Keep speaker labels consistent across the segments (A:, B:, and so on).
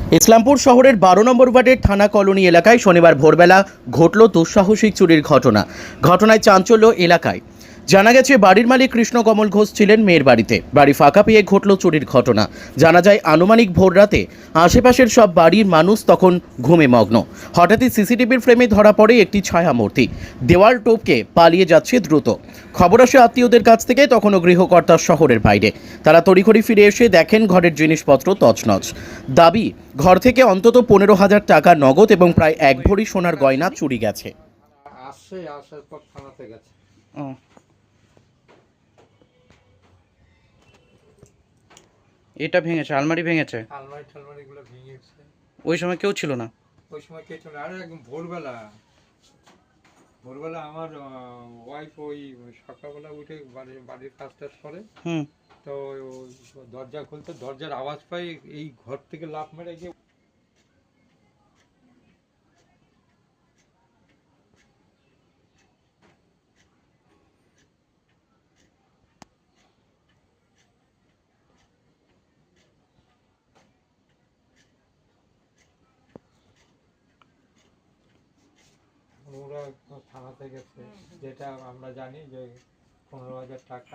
A: ইসলামপুর শহরের 12 নম্বর ওয়ার্ডের থানা কলোনি এলাকায় শনিবার ভোরবেলা ঘটল দুঃসাহসিক চুরির ঘটনায় চাঞ্চল্য এলাকায়। জানা গেছে বাড়ির মালিক কৃষ্ণকমল ঘোষ ছিলেন মেয়ের বাড়িতে। বাড়ি ফাঁকা পেয়ে ঘটল চুরির ঘটনা। জানা যায় আনুমানিক ভোর রাতে আশেপাশের সব বাড়ির মানুষ তখন ঘুমে মগ্ন। হঠাৎই সিসিটিভির ফ্রেমে ধরা পড়ে একটি ছায়ামূর্তি দেওয়াল টপকে পালিয়ে যাচ্ছে দ্রুত। খবর আসে আত্মীয়দের কাছ থেকে, তখনও গৃহকর্তা শহরের বাইরে। তারা তড়িঘড়ি ফিরে এসে দেখেন ঘরের জিনিসপত্র তছনছ। দাবি, ঘর থেকে অন্তত 15,000 টাকা নগদ এবং প্রায় 1 ভরি সোনার গয়না চুরি গেছে।
B: আসার পর থানাতে গেছে।
A: এটা ভেঙেছে, আলমারি ভেঙেছে।
B: আলমারিগুলো ভেঙেছে।
A: ওই সময় কেউ ছিল না?
B: ওই সময় কেউ ছিল না। আরে একদম ভোরবেলা আমার ওয়াইফ ওই সকালবেলা উঠে বাড়ির কাজ টাজ করে। তো দরজা খুলতে দরজার আওয়াজ পাই, এই ঘর থেকে লাফ মেরে গিয়ে ওরা থানাতে গেছে। যেটা আমরা জানি যে 15,000 টাকা।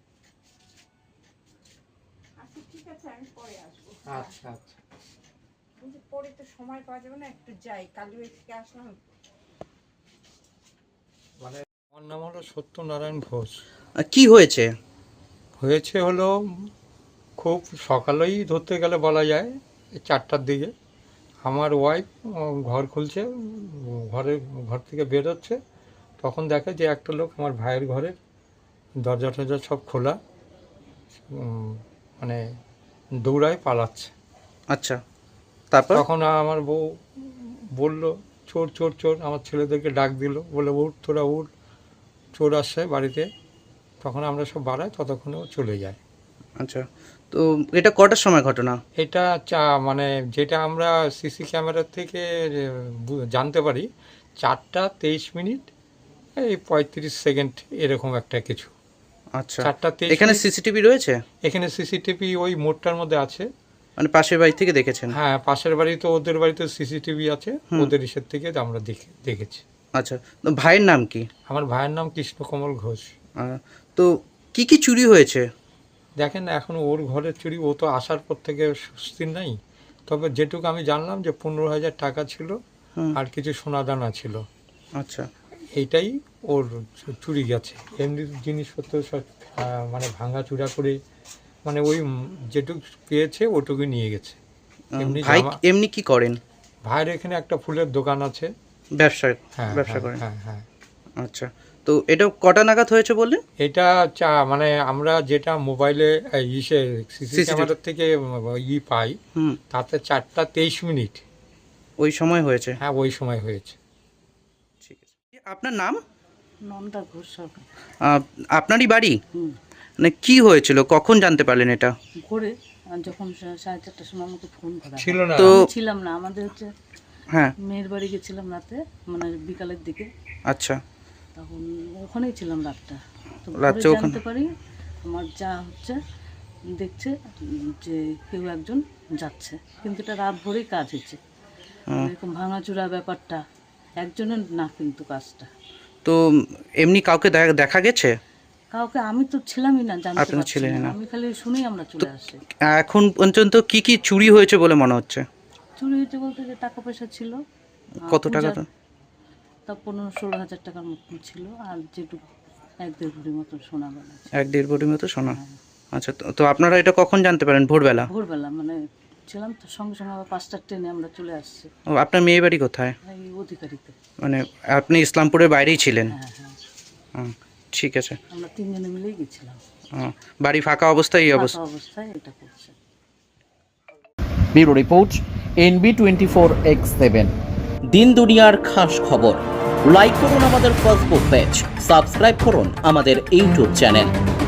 C: আচ্ছা ঠিক আছে, আমি পরে আসবো।
B: আচ্ছা আচ্ছা,
C: কিন্তু পরে তো সময় পাওয়া যাবে না, একটু যাই, কালুয়া থেকে আসলাম।
B: মানে আমার নাম হলো সত্যনারায়ণ ঘোষ।
A: কি হয়েছে?
B: হলো খুব সকালেই ধরতে গেলে বলা যায় 4টার দিকে আমার ওয়াইফ ঘর খুলছে, ঘর থেকে বেরোচ্ছে। তখন দেখে যে একটা লোক আমার ভাইয়ের ঘরের দরজা টরজা সব খোলা, মানে দৌড়ায় পালাচ্ছে।
A: আচ্ছা, তারপর?
B: তখন আমার বউ বলল চোর চোর চোর, আমার ছেলেদেরকে ডাক দিল, বলে উঠ তোরা উঠ, চোর আসছে বাড়িতে। তখন আমরা সব বাড়াই, ততক্ষণেও চলে যায়।
A: আচ্ছা, তো এটা কটার সময় ঘটনা?
B: এটা মানে যেটা আমরা সিসি ক্যামেরার থেকে জানতে পারি 4টা 23 মিনিট এই 35 সেকেন্ড এরকম একটা কিছু।
A: আচ্ছা,
B: 4টা 23।
A: এখানে সিসিটিভি রয়েছে?
B: এখানে সিসিটিভি ওই মোড়টার মধ্যে আছে।
A: মানে পাশের বাড়ি থেকে দেখেছেন?
B: হ্যাঁ, পাশের বাড়ি তো ওদের বাড়িতে সিসিটিভি আছে, ওদের ইসের থেকে আমরা দেখেছি।
A: আচ্ছা, তো ভাইয়ের নাম কি?
B: আমার ভাইয়ের নাম কৃষ্ণকমল ঘোষ।
A: তো কি কি চুরি হয়েছে?
B: দেখেন, এখন ওর ঘরের চুরি, ও তো আসার পর থেকে সুস্থির নাই। তবে যেটুকু আমি জানলাম যে 15,000 টাকা ছিল আর কিছু সোনাদানা ছিল।
A: আচ্ছা,
B: এইটাই ওর চুরি গেছে। এমনি জিনিসপত্র সব মানে ভাঙা চূড়া করে, মানে ওই যেটুকু পেয়েছে ওটুকু নিয়ে গেছে।
A: ভাই এমনি কি করেন?
B: ভাইয়ের এখানে একটা ফুলের দোকান আছে,
A: ব্যবসা করেন।
B: হ্যাঁ।
A: আচ্ছা, তো এটা কটা নাগাদ হয়েছে বললেন?
B: এটা মানে আমরা যেটা মোবাইলে সিসি ক্যামেরার থেকে পাই, তাতে 4টা 23 মিনিট
A: ওই সময় হয়েছে?
B: হ্যাঁ, ওই সময় হয়েছে।
A: ঠিক আছে। আপনার নাম?
C: নন্দা ঘোষ সরকার।
A: আপনারই বাড়ি? মানে কি হয়েছিল, কখন জানতে পারলেন এটা?
C: ঘুরে যখন 4:30টার সময় আমাকে ফোন করা
B: ছিল না,
A: তো
C: ছিলাম না, আমাদের হচ্ছে
A: হ্যাঁ
C: মেয়ের বাড়ি গেছিলাম রাতে, মানে বিকালের দিকে।
A: আচ্ছা,
C: তখন ওখানেই ছিলাম রাতটা। তো
A: রাত্রে
C: ঘুরে
A: ওখানে
C: জানতে পারি আমার যা হচ্ছে দেখছে যে কেউ একজন যাচ্ছে, কিন্তু এটা রাত ভরেই কাজ হচ্ছে। এরকম ভাঙাচুরা ব্যাপারটা একজনের না, কিন্তু কাজটা।
A: তো এমনি কাউকে দেখা গেছে?
C: কাউকে আমি তো ছিলামই না, জানতে
A: আপনারা
C: পারছি
A: ছিলেন না?
C: আমি খালি শুনেই আমরা চলে আসি।
A: এখন পর্যন্ত কি কি চুরি হয়েছে বলে মনে হচ্ছে?
C: চুরি হয়েছে বলতে যে টাকা পয়সা ছিল।
A: কত টাকা?
C: তা 15-16 হাজার টাকার মতন ছিল, আর যেটুকু 1-1.5 ভরি মতো সোনা গয়না।
A: 1-1.5 ভরি মতো সোনা। আচ্ছা, তো আপনারা এটা কখন জানতে পারেন? ভোরবেলা?
C: ভোরবেলা মানে ছিলাম তো, সঙ্গে সঙ্গে আবার 5টার ট্রেনে আমরা চলে আসছি।
A: ও, আপনার মেয়ে বাড়ি কোথায়?
C: এই অধিকারিতে।
A: মানে আপনি ইসলামপুরের বাইরেই ছিলেন?
C: হ্যাঁ,
A: ঠিক আছে।
C: আমরা 3 জনে মিলেই গেছিলাম।
A: বাড়ি ফাঁকা অবস্থায় এই
C: ফাঁকা অবস্থায় এটা করছে।
A: ব্যুরো রিপোর্ট, NB24X7, দিন দুনিয়ার খাস খবর। লাইক করুন আমাদের ফেসবুক পেজ, সাবস্ক্রাইব করুন আমাদের ইউটিউব চ্যানেল।